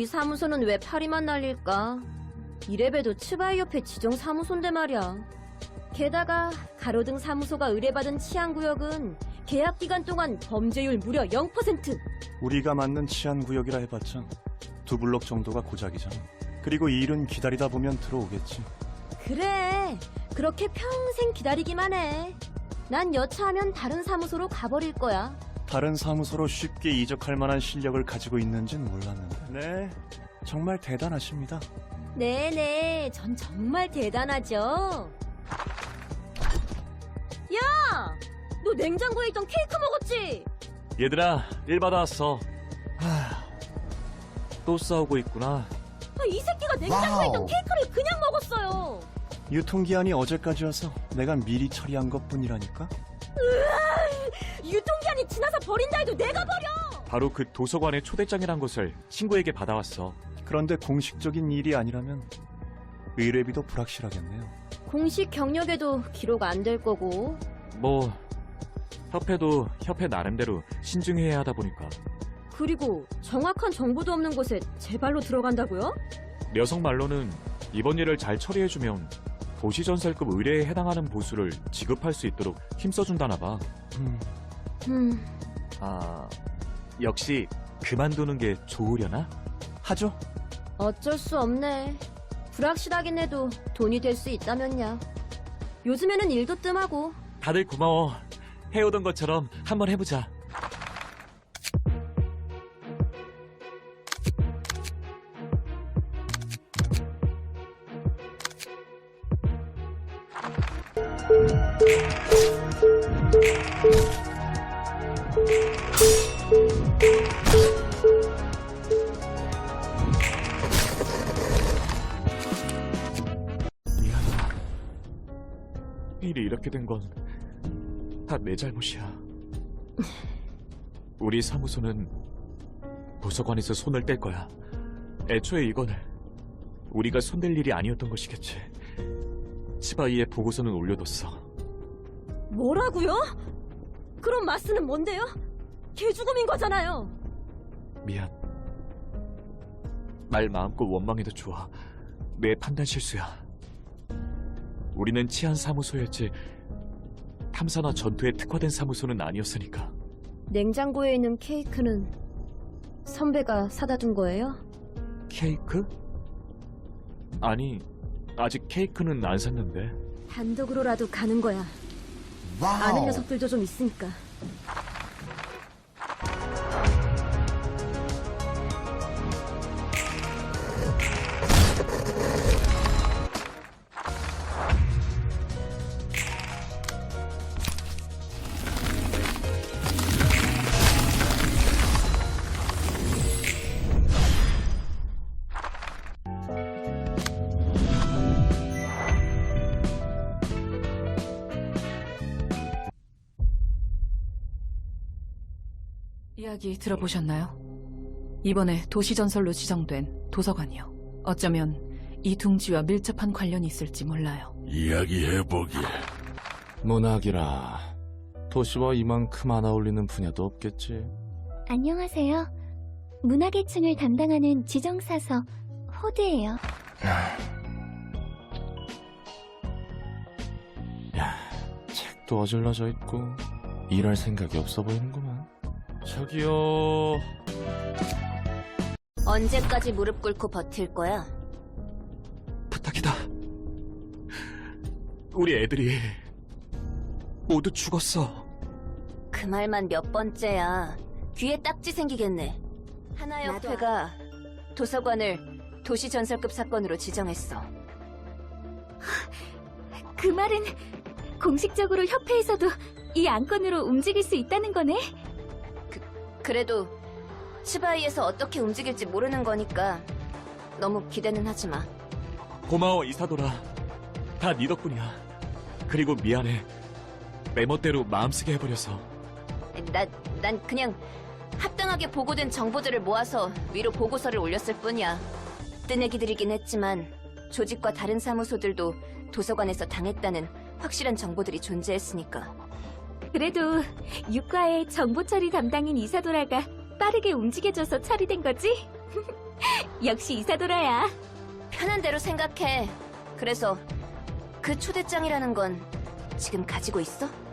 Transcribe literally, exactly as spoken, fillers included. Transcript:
우리 사무소는 왜 파리만 날릴까? 이래봬도 츠바이 옆에 지정 사무소인데 말이야. 게다가 가로등 사무소가 의뢰받은 치안구역은 계약 기간 동안 범죄율 무려 영 퍼센트. 우리가 맞는 치안구역이라 해봤자 두 블록 정도가 고작이잖아. 그리고 이 일은 기다리다 보면 들어오겠지. 그래, 그렇게 평생 기다리기만 해. 난 여차하면 다른 사무소로 가버릴 거야. 다른 사무소로 쉽게 이적할 만한 실력을 가지고 있는진 몰랐는데. 네, 정말 대단하십니다. 네네, 전 정말 대단하죠. 야! 너 냉장고에 있던 케이크 먹었지? 얘들아, 일 받아왔어. 하... 또 싸우고 있구나. 아, 이 새끼가 냉장고에 있던 케이크를 그냥 먹었어요. 유통기한이 어제까지여서 내가 미리 처리한 것뿐이라니까? 으아, 유통기한이 지나서 버린다 해도 내가 버려! 바로 그 도서관의 초대장이란 것을 친구에게 받아왔어. 그런데 공식적인 일이 아니라면 의뢰비도 불확실하겠네요. 공식 경력에도 기록 안 될 거고. 뭐 협회도 협회 나름대로 신중해야 하다 보니까. 그리고 정확한 정보도 없는 곳에 제 발로 들어간다고요? 녀석 말로는 이번 일을 잘 처리해주면 도시전설급 의뢰에 해당하는 보수를 지급할 수 있도록 힘써준다나 봐. 음, 음, 아, 역시 그만두는 게 좋으려나? 하죠. 어쩔 수 없네. 불확실하긴 해도 돈이 될 수 있다면야. 요즘에는 일도 뜸하고. 다들 고마워. 해오던 것처럼 한번 해보자. 미안하다. 일이 이렇게 된 건 다 내 잘못이야. 우리 사무소는 도서관에서 손을 뗄 거야. 애초에 이건 우리가 손댈 일이 아니었던 것이겠지. 치바이의 보고서는 올려뒀어. 뭐라고요? 그럼 마스는 뭔데요? 개죽음인 거잖아요. 미안. 말 마음껏 원망해도 좋아. 내 판단 실수야. 우리는 치안 사무소였지 탐사나 전투에 특화된 사무소는 아니었으니까. 냉장고에 있는 케이크는 선배가 사다 둔 거예요? 케이크? 아니, 아직 케이크는 안 샀는데. 단독으로라도 가는 거야. 아는 녀석들도 좀 있으니까. 이야기 들어보셨나요? 이번에 도시전설로 지정된 도서관이요. 어쩌면 이 둥지와 밀접한 관련이 있을지 몰라요. 이야기해보게. 문학이라 도시와 이만큼 안 어울리는 분야도 없겠지. 안녕하세요. 문화계층을 담당하는 지정사서 호드예요. 야, 책도 어질러져 있고 일할 생각이 없어 보이는구만. 저기요. 언제까지 무릎 꿇고 버틸 거야? 부탁이다. 우리 애들이 모두 죽었어. 그 말만 몇 번째야. 귀에 딱지 생기겠네. 하나협회가 도서관을 도시전설급 사건으로 지정했어. 그 말은 공식적으로 협회에서도 이 안건으로 움직일 수 있다는 거네? 그래도 치바이에서 어떻게 움직일지 모르는 거니까 너무 기대는 하지 마. 고마워, 이사도라. 다 네 덕분이야. 그리고 미안해. 내 멋대로 마음쓰게 해버려서. 나, 난 그냥 합당하게 보고된 정보들을 모아서 위로 보고서를 올렸을 뿐이야. 뜨내기들이긴 했지만 조직과 다른 사무소들도 도서관에서 당했다는 확실한 정보들이 존재했으니까. 그래도 육과의 정보 처리 담당인 이사도라가 빠르게 움직여줘서 처리된 거지? 역시 이사도라야. 편한 대로 생각해. 그래서 그 초대장이라는 건 지금 가지고 있어?